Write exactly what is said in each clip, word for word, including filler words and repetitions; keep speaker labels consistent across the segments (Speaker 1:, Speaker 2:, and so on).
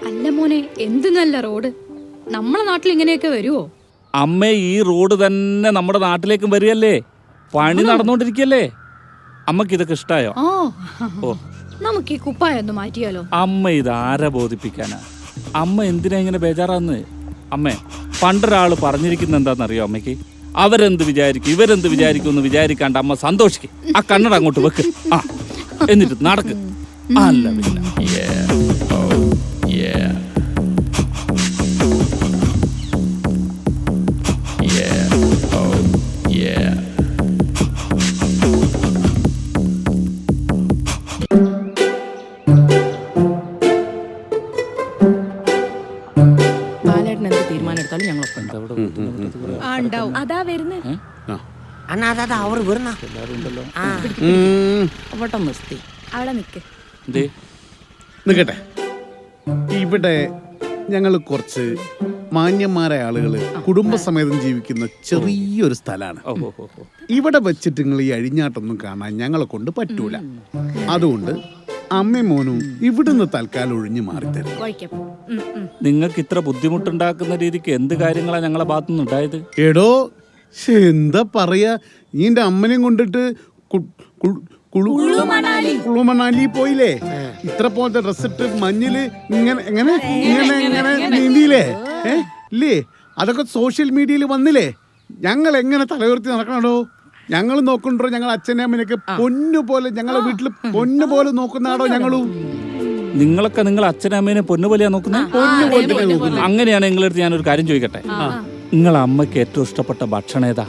Speaker 1: അല്ല മോനെ, എന്ത് നല്ല റോഡ്. നമ്മളെ നാട്ടിൽ ഇങ്ങനെയൊക്കെ വരുവോ?
Speaker 2: അമ്മ, ഈ റോഡ് തന്നെ നമ്മുടെ നാട്ടിലേക്കും വരികയല്ലേ? പണി നടന്നുകൊണ്ടിരിക്കല്ലേ? അമ്മക്ക് ഇതൊക്കെ ഇഷ്ടായോ?
Speaker 1: ഓ, നമുക്ക് ഈ കുപ്പായ ഒന്ന് മാറ്റിയാലോ?
Speaker 2: അമ്മ ഇതാരെ ബോധിപ്പിക്കാനാ? അമ്മ എന്തിനാ ഇങ്ങനെ ബേജാറാന്ന്? അമ്മേ, പണ്ടൊരാള് പറഞ്ഞിരിക്കുന്ന എന്താണെന്നറിയോ അമ്മയ്ക്ക്? അവരെന്ത് വിചാരിക്കും, ഇവരെന്ത് വിചാരിക്കും എന്ന് വിചാരിക്കാണ്ട് അമ്മ സന്തോഷിക്കും. ആ കണ്ണട അങ്ങോട്ട് വെക്ക്. ആ എന്നിട്ട് നടക്ക്. അല്ല പിന്നെ
Speaker 1: അതാ വരുന്നത്. അവിടെ നിക്ക്.
Speaker 3: നിക്കട്ടെ. ഇവിടെ ഞങ്ങൾ കുറച്ച് മാന്യന്മാരായ ആളുകള് കുടുംബസമേതം ജീവിക്കുന്ന ചെറിയൊരു സ്ഥലമാണ്. ഇവിടെ വെച്ചിട്ട് നിങ്ങൾ ഈ അഴിഞ്ഞാട്ടൊന്നും കാണാൻ ഞങ്ങളെ കൊണ്ട് പറ്റൂല. അതുകൊണ്ട് അമ്മയും മോനും ഇവിടുന്ന് തൽക്കാലം ഒഴിഞ്ഞു മാറിത്തരും.
Speaker 2: നിങ്ങൾക്ക് ഇത്ര ബുദ്ധിമുട്ടുണ്ടാക്കുന്ന രീതിക്ക് എന്ത് കാര്യങ്ങളാ ഞങ്ങളെ ഭാഗത്തുനിന്ന് ഉണ്ടായത്?
Speaker 3: എടോ, എന്താ പറയാ, നീന്റെ അമ്മനെയും കൊണ്ടിട്ട് കുളുമണാലി പോയില്ലേ? ഇത്ര പോലത്തെ ഡ്രസ് ഇട്ട് മഞ്ഞില് ഇങ്ങനെ എങ്ങനെ ഇങ്ങനെ ഇങ്ങനെ നീന്തിയില്ലേ? ഏ ഇല്ലേ? അതൊക്കെ സോഷ്യൽ മീഡിയയിൽ വന്നില്ലേ? ഞങ്ങൾ എങ്ങനെ തലയുയർത്തി നടക്കണോ? ഞങ്ങൾ നോക്കണ്ടോ? ഞങ്ങൾ അച്ഛനെ അമ്മനൊക്കെ പൊന്നു പോലെ ഞങ്ങളെ വീട്ടിൽ പൊന്നു പോലെ നോക്കുന്നാടോ ഞങ്ങളും.
Speaker 2: നിങ്ങളൊക്കെ നിങ്ങൾ അച്ഛനെ അമ്മേനെ പൊന്നുപോലെയാ നോക്കുന്നത്? അങ്ങനെയാണ് നിങ്ങളടുത്ത് ഞാനൊരു കാര്യം ചോദിക്കട്ടെ. നിങ്ങളെ അമ്മയ്ക്ക് ഏറ്റവും ഇഷ്ടപ്പെട്ട ഭക്ഷണം ഏതാ?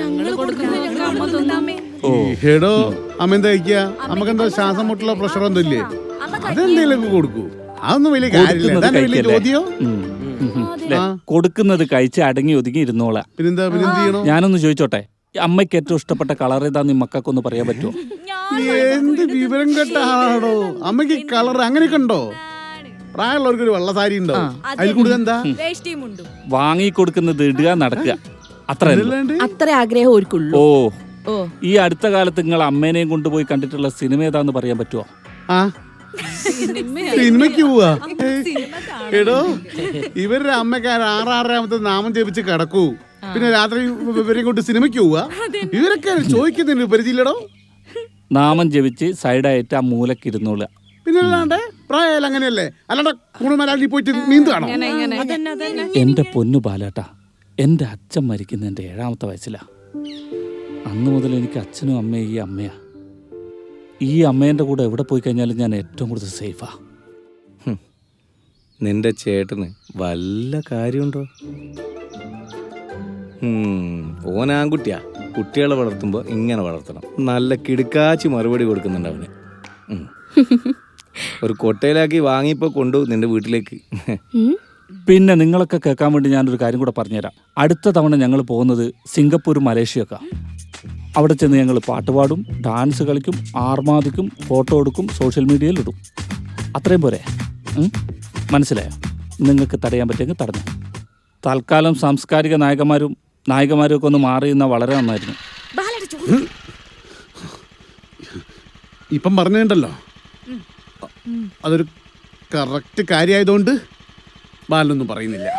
Speaker 3: ഓ ഹേടോ, അമ്മ എന്താ കഴിക്കുക? നമുക്കെന്താ ശ്വാസം മുട്ടുള്ള പ്രഷർ ഒന്നും ഇല്ലേ? അതെന്തേലും കൊടുക്കൂ. അതൊന്നും വലിയ കാര്യമില്ല. ചോദ്യോ
Speaker 2: കൊടുക്കുന്നത് കഴിച്ച് അടങ്ങി ഒതുങ്ങി ഇരുന്നോളാ.
Speaker 3: പിന്നെന്താ പിന്നെ എന്ത് ചെയ്യണോ?
Speaker 2: ഞാനൊന്ന് ചോദിച്ചോട്ടെ, അമ്മയ്ക്ക് ഏറ്റവും ഇഷ്ടപ്പെട്ട കളർ ഏതാന്ന് മക്കൾക്കൊന്ന് പറയാൻ പറ്റുമോ?
Speaker 3: എന്ത് വിവരം കേട്ട ആളാണോ? അമ്മയ്ക്ക് കളർ അങ്ങനെയൊക്കെ ഉണ്ടോ? പ്രായമുള്ളവർക്ക് ഒരു വെള്ള സാരി ഉണ്ടോ? അതിൽ കൂടുതൽ എന്താ
Speaker 2: വാങ്ങി കൊടുക്കുന്നത്? ഇടുക, നടക്കുക, അത്ര
Speaker 4: അത്ര ആഗ്രഹം.
Speaker 2: ഓ, ഈ അടുത്ത കാലത്ത് നിങ്ങൾ അമ്മേനെയും കൊണ്ടുപോയി കണ്ടിട്ടുള്ള സിനിമ ഏതാന്ന് പറയാൻ പറ്റുമോ?
Speaker 3: ആ സിനിമയ്ക്ക് പോവാ? എടോ, ഇവരുടെ അമ്മക്കാർ ആറാറാമത്തെ നാമം ജപിച്ച് കിടക്കൂ, പിന്നെ രാത്രി ഇവരെ കൊണ്ട് സിനിമയ്ക്ക് പോവാ? ഇവരൊക്കെ ചോദിക്കുന്നതിന് പരിചയമില്ലടോ.
Speaker 2: നാമം ജപിച്ച് സൈഡായിട്ട് ആ മൂലക്ക് ഇരുന്നോളുക.
Speaker 3: പിന്നെ അല്ലാണ്ട് പ്രായം അങ്ങനെയല്ലേ? അല്ലാണ്ട് കുണുമലാലി പോയിട്ട് നീന്താണോ?
Speaker 2: എന്റെ പൊന്നു ബാലേട്ടാ, എന്റെ അച്ഛൻ മരിക്കുന്ന എന്റെ ഏഴാമത്തെ വയസ്സിലാ. അന്ന് മുതൽ എനിക്ക് അച്ഛനും അമ്മയും ഈ അമ്മയാ. ഈ അമ്മേന്റെ കൂടെ എവിടെ പോയി കഴിഞ്ഞാലും ഞാൻ ഏറ്റവും കൂടുതൽ സേഫാ.
Speaker 5: നിന്റെ ചേട്ടന് വല്ല കാര്യമുണ്ടോ? ഓൻ ആൺകുട്ടിയാ. കുട്ടികളെ വളർത്തുമ്പോൾ ഇങ്ങനെ വളർത്തണം. നല്ല കിടുക്കാച്ചി മറുപടി കൊടുക്കുന്നുണ്ട് അവന്. ഒരു കൊട്ടയിലാക്കി വാങ്ങിയപ്പോൾ കൊണ്ടുപോകും നിന്റെ വീട്ടിലേക്ക്.
Speaker 2: പിന്നെ നിങ്ങളൊക്കെ കേൾക്കാൻ വേണ്ടി ഞാനൊരു കാര്യം കൂടെ പറഞ്ഞുതരാം. അടുത്ത തവണ ഞങ്ങൾ പോകുന്നത് സിംഗപ്പൂർ, മലേഷ്യയൊക്കെ. അവിടെ ചെന്ന് ഞങ്ങൾ പാട്ടുപാടും, ഡാൻസ് കളിക്കും, ആർമാദിക്കും, ഫോട്ടോ എടുക്കും, സോഷ്യൽ മീഡിയയിൽ ഇടും. അത്രയും പോരെ? മനസ്സിലായോ? നിങ്ങൾക്ക് തടയാൻ പറ്റുമെങ്കിൽ തടഞ്ഞു. തൽക്കാലം സാംസ്കാരിക നായകന്മാരും നായികമാരും ഒക്കെ ഒന്ന് മാറി നിന്നാൽ വളരെ നന്നായിരുന്നു.
Speaker 3: ഇപ്പം പറഞ്ഞിട്ടുണ്ടല്ലോ, അതൊരു കറക്റ്റ് കാര്യമായതുകൊണ്ട് ബാലൊന്നും പറയുന്നില്ല.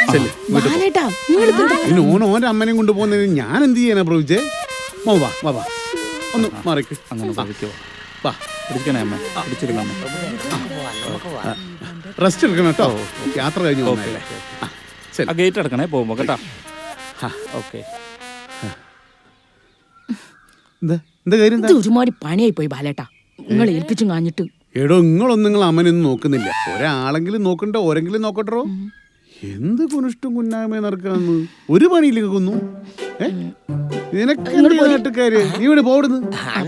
Speaker 3: പിന്നെ ഓൻ ഓൻ്റെ അമ്മനെയും കൊണ്ട് പോകുന്നതിന് ഞാൻ എന്ത് ചെയ്യാനാ പ്രവിജേ? മോ വാ വാ വാ ഒന്ന് മാറിക്ക്.
Speaker 2: അങ്ങനെ
Speaker 3: വാ, റെസ്റ്റ് എടുക്കണം കേട്ടോ. യാത്ര കഴിഞ്ഞു പോകണല്ലേ?
Speaker 2: ഗേറ്റ് അടക്കണേ പോകുമ്പോ കേട്ടോ. ഓക്കെ.
Speaker 3: എന്താ കാര്യം?
Speaker 4: ഒരുമാതിരി പണിയായി പോയി ബാലേട്ടാ, നിങ്ങൾ ഏൽപ്പിച്ചും കാഞ്ഞിട്ട്.
Speaker 3: എടോ, നിങ്ങളൊന്നും നിങ്ങൾ അമ്മനൊന്നും നോക്കുന്നില്ല. ഒരാളെങ്കിലും നോക്കണ്ടോ, ഓരെങ്കിലും നോക്കട്ടോ. എന്ത് കുനിഷ്ടം കുന്നായ്മ നടക്കാന്ന് ഒരു പണിയിലേക്ക് കൊന്നു. നിനക്കാര് നീ ഇവിടെ പോടുന്നു.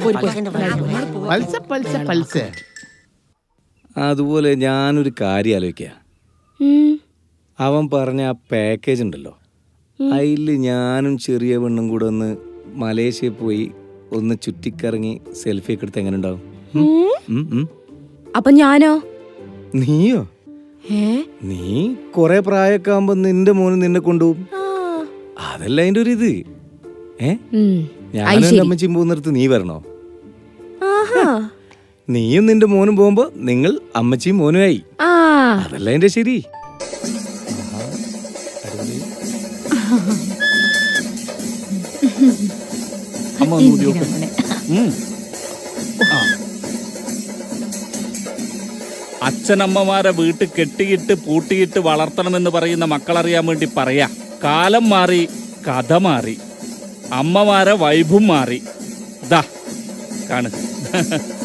Speaker 5: അതുപോലെ ഞാനൊരു കാര്യം ആലോചിക്കുക. അവൻ പറഞ്ഞ ആ പാക്കേജ് ഉണ്ടല്ലോ, അതിൽ ഞാനും ചെറിയ പെണ്ണും കൂടെ ഒന്ന് മലേഷ്യയിൽ പോയി ഒന്ന് ചുറ്റിക്കറങ്ങി സെൽഫി ഒക്കെ എടുത്ത് എങ്ങനെ ഉണ്ടാവും?
Speaker 4: അപ്പൊ ഞാനോ?
Speaker 5: നീയോ? നീ കൊറേ പ്രായമൊക്കെ ആകുമ്പോ നിന്റെ മോന് നിന്നെ കൊണ്ടുപോകും. അതല്ല അതിന്റെ ഒരു ഇത്. ഏ ഞാനും എന്റെ അമ്മച്ചിയും പോകുന്നിടത്ത് നീ വരണോ? നീയും നിന്റെ മോനും പോകുമ്പോ നിങ്ങൾ അമ്മച്ചിയും മോനുമായി. അതല്ല എന്റെ ശരി.
Speaker 2: അമ്മ ഒന്ന് ഊതി നോക്ക്. ഉം. ആ. അച്ഛനമ്മമാരെ വീട്ടിൽ കെട്ടിയിട്ട് പൂട്ടിയിട്ട് വളർത്തണമെന്ന് പറയുന്ന മക്കളറിയാൻ വേണ്ടി പറയാ. കാലം മാറി, കഥ മാറി, അമ്മമാരെ വൈബും മാറി. ദാ കാണ്.